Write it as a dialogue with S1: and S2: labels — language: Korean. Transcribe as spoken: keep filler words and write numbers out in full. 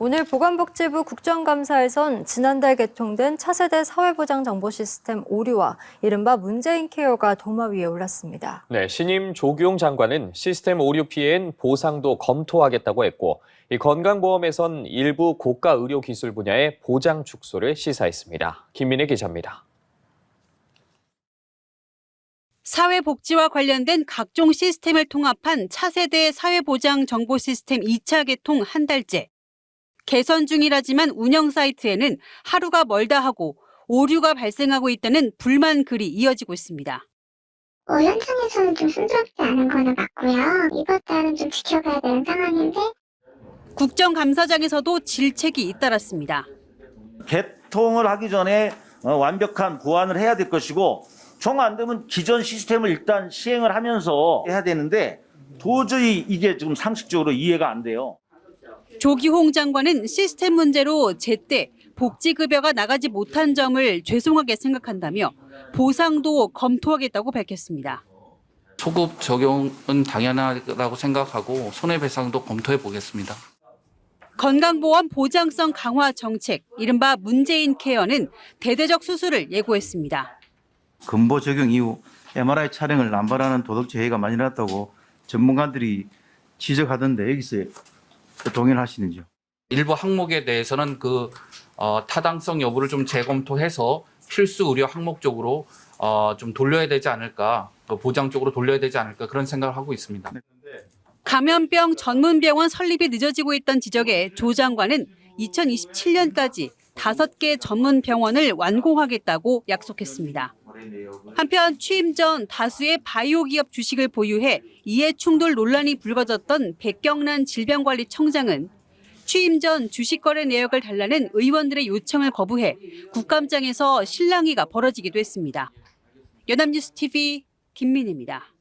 S1: 오늘 보건복지부 국정감사에선 지난달 개통된 차세대 사회보장 정보 시스템 오류와 이른바 문재인 케어가 도마 위에 올랐습니다.
S2: 네, 신임 조규용 장관은 시스템 오류 피해엔 보상도 검토하겠다고 했고, 이 건강보험에선 일부 고가 의료 기술 분야의 보장 축소를 시사했습니다. 김민혜 기자입니다.
S3: 사회복지와 관련된 각종 시스템을 통합한 차세대 사회보장 정보 시스템 이 차 개통 한 달째. 개선 중이라지만 운영 사이트에는 하루가 멀다 하고 오류가 발생하고 있다는 불만 글이 이어지고 있습니다.
S4: 어, 현장에서는 좀 순조롭지 않은 거는 맞고요. 이번 달은 좀 지켜봐야 되는 상황인데.
S3: 국정감사장에서도 질책이 잇따랐습니다.
S5: 개통을 하기 전에 완벽한 보완을 해야 될 것이고 정 안 되면 기존 시스템을 일단 시행을 하면서 해야 되는데 도저히 이게 지금 상식적으로 이해가 안 돼요.
S3: 조기홍 장관은 시스템 문제로 제때 복지급여가 나가지 못한 점을 죄송하게 생각한다며 보상도 검토하겠다고 밝혔습니다.
S6: 소급 적용은 당연하다고 생각하고 손해배상도 검토해 보겠습니다.
S3: 건강보험 보장성 강화 정책, 이른바 문재인 케어는 대대적 수술을 예고했습니다.
S7: 근보 적용 이후 엠알아이 촬영을 남발하는 도덕적 해이가 많이 났다고 전문가들이 지적하던데 여기서 동의하시는지요?
S6: 일부 항목에 대해서는 그 어, 타당성 여부를 좀 재검토해서 필수 의료 항목적으로 어, 좀 돌려야 되지 않을까, 그 보장 쪽으로 돌려야 되지 않을까 그런 생각을 하고 있습니다.
S3: 감염병 전문병원 설립이 늦어지고 있던 지적에 조 장관은 이천이십칠 년까지 다섯 개 전문 병원을 완공하겠다고 약속했습니다. 한편 취임 전 다수의 바이오 기업 주식을 보유해 이해 충돌 논란이 불거졌던 백경란 질병관리청장은 취임 전 주식 거래 내역을 달라는 의원들의 요청을 거부해 국감장에서 실랑이가 벌어지기도 했습니다. 연합뉴스 티비 김민희입니다.